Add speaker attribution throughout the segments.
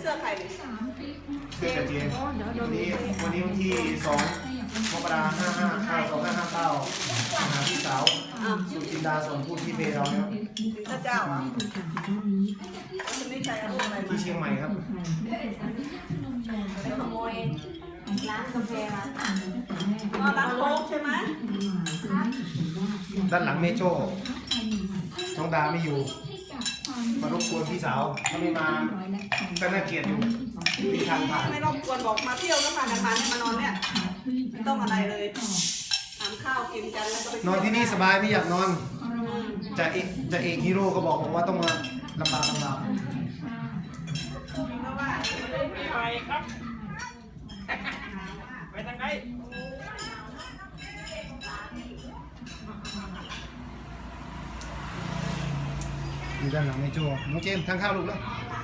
Speaker 1: เสื้อใครดิ
Speaker 2: เสื้อกระเจียนวันนี้วันที่2 มกราคม 2559หาพี่สาวสุจินดาสมพูดที่เพเราเนี่ย
Speaker 1: พระเจ้าอ่ะคุณไม่ใช่อะไร
Speaker 2: ที่เชียงใหม่ครับ
Speaker 1: ไปขโมย
Speaker 3: ร้านกาแฟมา
Speaker 1: ร้านโค้กใช่ไหม
Speaker 2: ด้านหลังเมโจ้น้องดาไม่อยู่มารบกวนพี่สาวถ้าไม่มาก็น่าเกลียดอยู่ที่ทางผ่าน
Speaker 1: ไม่รบกวนบอกมาเที่ยวแล้วพากันมาเนี่ยมานอนเนี่ยไม่ต้องอะไรเลยทานข้าวกินกันแล้วก็ไป
Speaker 2: นอนที่นี่สบายไม่อยากนอนจะเอกฮีโร่ก็บอกว่าต้องมาลำบาก
Speaker 1: เพราะว่า
Speaker 4: ไปครับ ไปทางไหน
Speaker 2: อยู่ด้านหลังเมโจ้น้องเจมส์ทางข้าวลูกแล้ว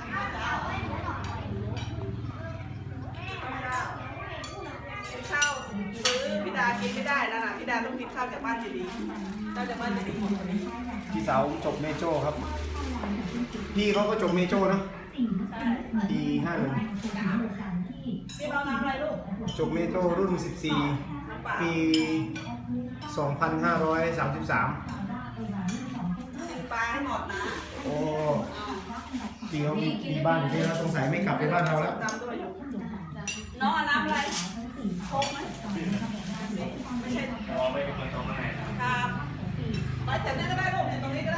Speaker 1: กินข้าวซื้อพี่ดากินไม่ได้นะพี่ดาต้องกินข้าวจากบ้านดีๆข้าวจากบ้านดีๆหมดเลย
Speaker 2: พี่สาวจบเมโจ้ครับ พี่เขาก็จบเมโจ้เนาะ
Speaker 1: ใช่
Speaker 2: ปี51
Speaker 1: พี่เราน้ำอะไรลูก
Speaker 2: จบเมโจ้รุ่น
Speaker 1: น้ำเปล่า
Speaker 2: 14 ปี 2533
Speaker 1: กินปลาให้หมดนะ
Speaker 2: โอ้พี่เขามีบ้านอยู่ที่เราสงสัยไม่กลับไปบ้านเราแล้ว
Speaker 1: จำด้วยอยู่น้องเอาน้ำอะไรโค้กไหมไม่ใช่
Speaker 4: อ๋อไปเป็นคนตรงไหน
Speaker 1: ครับไปแต่นี่ก็ได้ลูกเนี่ยตรงนี้ก็ได้